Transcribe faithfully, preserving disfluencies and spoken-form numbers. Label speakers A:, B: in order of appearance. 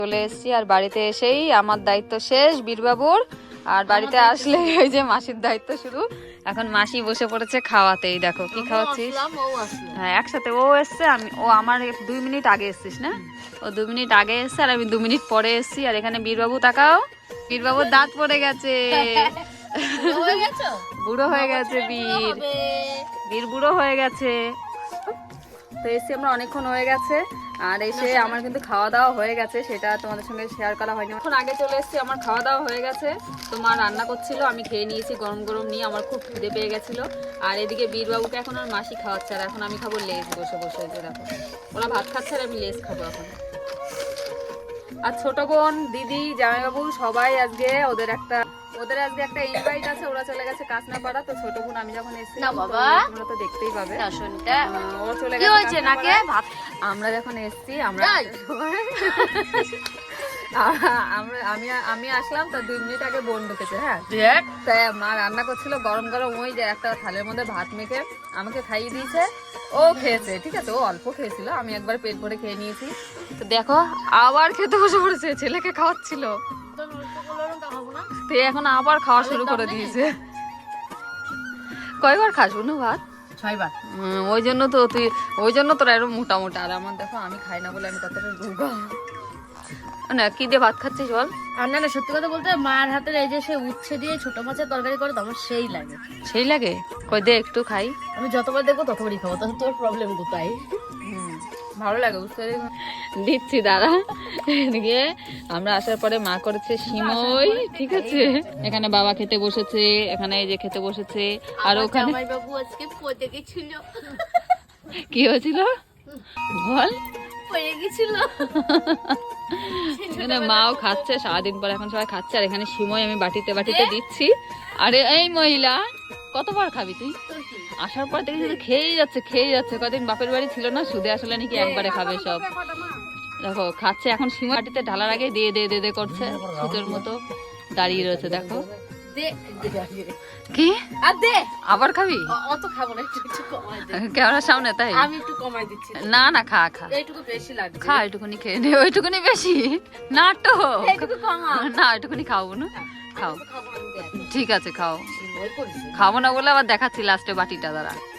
A: চলে এসেছি আর বাড়িতে এসেই আমার দায়িত্ব শেষ বীরবাবুর। আর বাড়িতে আসলে ওই যে মাসির দায়িত্ব শুরু। এখন মাসি বসে পড়েছে খাওয়াতেই। দেখো কি খাওয়াচ্ছিস? হ্যাঁ একসাথে ও এসছে, আমি ও আমার দুই মিনিট আগে এসছিস না? ও দু মিনিট আগে এসছে আর আমি দু মিনিট পরে এসছি। আর এখানে বীরবাবু তাকাও, বীরবাবুর দাঁত পড়ে গেছে, বুড়ো হয়ে গেছে বীর, বীর বুড়ো হয়ে গেছে। তো এসে আমরা অনেকক্ষণ হয়ে গেছে আর এসে আমার কিন্তু খাওয়া দাওয়া হয়ে গেছে, সেটা তোমাদের সঙ্গে শেয়ার করা হয়নি। এখন আগে চলে এসেছি, আমার খাওয়া দাওয়া হয়ে গেছে। তো মা রান্না করছিল, আমি খেয়ে নিয়েছি গরম গরম নিয়ে, আমার খুব খিদে পেয়ে গেছিলো। আর এদিকে বীরবাবুকে এখন আর মাসি খাওয়াচ্ছে, আর এখন আমি খাবো লেস বসে বসে। যে দেখো ওরা ভাত খাচ্ছে আর আমি লেস খাবো এখন। আর ছোট বোন, দিদি, জামাইবাবু সবাই আজকে ওদের একটা ওদের আজকে একটা ইনভাইট আছে, ওরা চলে গেছে কাঁচনাপাড়া। তো ছোট বোন আমি যখন এসেছি না বাবা তোমরা তো দেখতেই পাবে, ও চলে গেছে নাকি। আমরা যখন এসেছি আমরা আমরা আমি আমি আসলাম তো দুই মিনিট আগে বোন ঢুকেছে। হ্যাঁ তাই মা রান্না করছিল গরম গরম, ওই যে একটা থালের মধ্যে ভাত মেখে আমাকে খাইয়ে দিয়েছে, ও খেয়েছে। ঠিক আছে, ও অল্প খেয়েছিল, আমি একবার পেট ভরে খেয়ে নিয়েছি। তো দেখো আবার খেতে বসে পড়েছে, ছেলেকে খাওয়াচ্ছিল, এখন আবার খাওয়া শুরু করে দিয়েছে। কয়বার খাস অনু ভাত? ছয়বার। ওই জন্য তো তুই ওই জন্য তোরা এরকম মোটা মোটা। আর আমার দেখো আমি খাই না বলে আমি কতটা রোগা। না কি দিয়ে ভাত খাচ্ছিস বল?
B: আর না না সত্যি কথা বলতে মার হাতের এই যে সে উচ্ছে দিয়ে ছোট মাছের তরকারি করে আমার সেই লাগে।
A: সেই লাগে? কই দে একটু খাই।
B: আমি যতবার দেখবো ততবারই খাবো, তাহলে তোর প্রবলেম কোথায়?
A: ভালো লাগে বুঝতে দিচ্ছি দাঁড়া। এদিকে আমরা আসার পরে মা করেছে সিমই। ঠিক আছে, এখানে বাবা খেতে বসেছে, এখানে এই যে খেতে বসেছে। আর ওখানে
B: জামাইবাবু আজকে পড়ে গেছিল।
A: কি হয়েছিল বল?
B: পড়ে গেছিল।
A: এখানে মাও খাচ্ছে সারাদিন পর, এখন সবাই খাচ্ছে। আর এখানে সিমই আমি বাটিতে বাটিতে দিচ্ছি। আরে এই মহিলা কতবার খাবি তুই? আসার পর দেখি শুধু খেয়েই যাচ্ছে খেয়েই যাচ্ছে। কদিন বাপের বাড়ি ছিল না, সুদে আসলে নাকি একবারে খাবে সব। দেখো খাচ্ছে, এখন সিমই বাটিতে ঢালার আগে দিয়ে দে দে দে করছে, সুতের মতো দাঁড়িয়ে রয়েছে। দেখো কি আবার খাবি?
B: অত খাবো না, একটু একটু কমাই দে।
A: ক্যামেরার সামনে তাই?
B: আমি একটু কমাই দিচ্ছি।
A: না না খা খা,
B: এইটুকু বেশি লাগছে।
A: খা এইটুকুনি খেয়ে নে। ওইটুকুনি বেশি নাটক,
B: এইটুকু কমা
A: না ওইটুকুনি খাবো না, খাও।
B: খাবো না।
A: ঠিক আছে খাও। খাবো না বলে আবার দেখাচ্ছি লাস্টে বাটিটা। দাঁড়া